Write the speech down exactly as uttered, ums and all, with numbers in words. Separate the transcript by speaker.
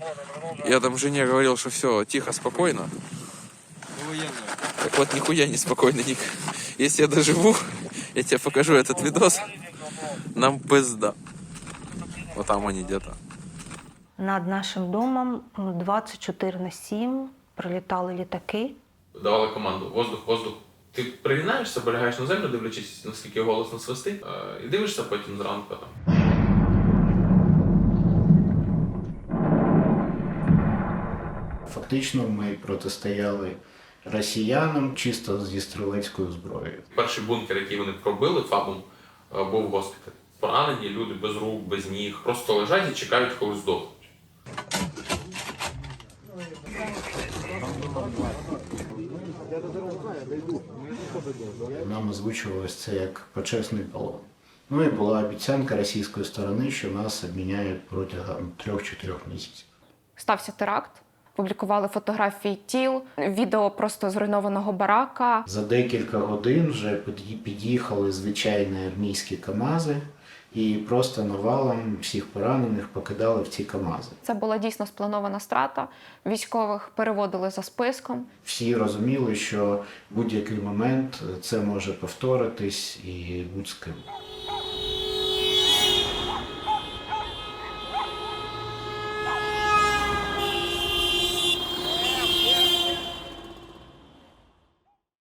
Speaker 1: Я там жене говорил, что все, тихо, спокойно. Так вот, нихуя не спокойно, Ник. Если я доживу, я тебе покажу этот видос, нам пизда. Вот там они где-то.
Speaker 2: Над нашим домом двадцять чотири на сім прилітали літаки.
Speaker 1: Давали команду «воздух, воздух». Ти пригинаєшся, полягаєш на землю, дивлячись, наскільки голосно свистить, і дивишся потім зранку там.
Speaker 3: Фактично ми протистояли росіянам чисто зі стрілецькою зброєю.
Speaker 1: Перший бункер, який вони пробили ФАБом, був госпіталь. Поранені люди без рук, без ніг, просто лежать і чекають, коли здохнуть.
Speaker 3: Нам озвучувалось це як почесний полон. Ну і була обіцянка російської сторони, що нас обміняють протягом трьох-чотирьох місяців.
Speaker 4: Стався теракт, публікували фотографії тіл, відео просто зруйнованого барака.
Speaker 3: За декілька годин вже під'їхали звичайні армійські КАМАЗи і просто навалом всіх поранених покидали в ці КАМАЗи.
Speaker 4: Це була дійсно спланована страта. Військових переводили за списком.
Speaker 3: Всі розуміли, що в будь-який момент це може повторитись і будь з ким.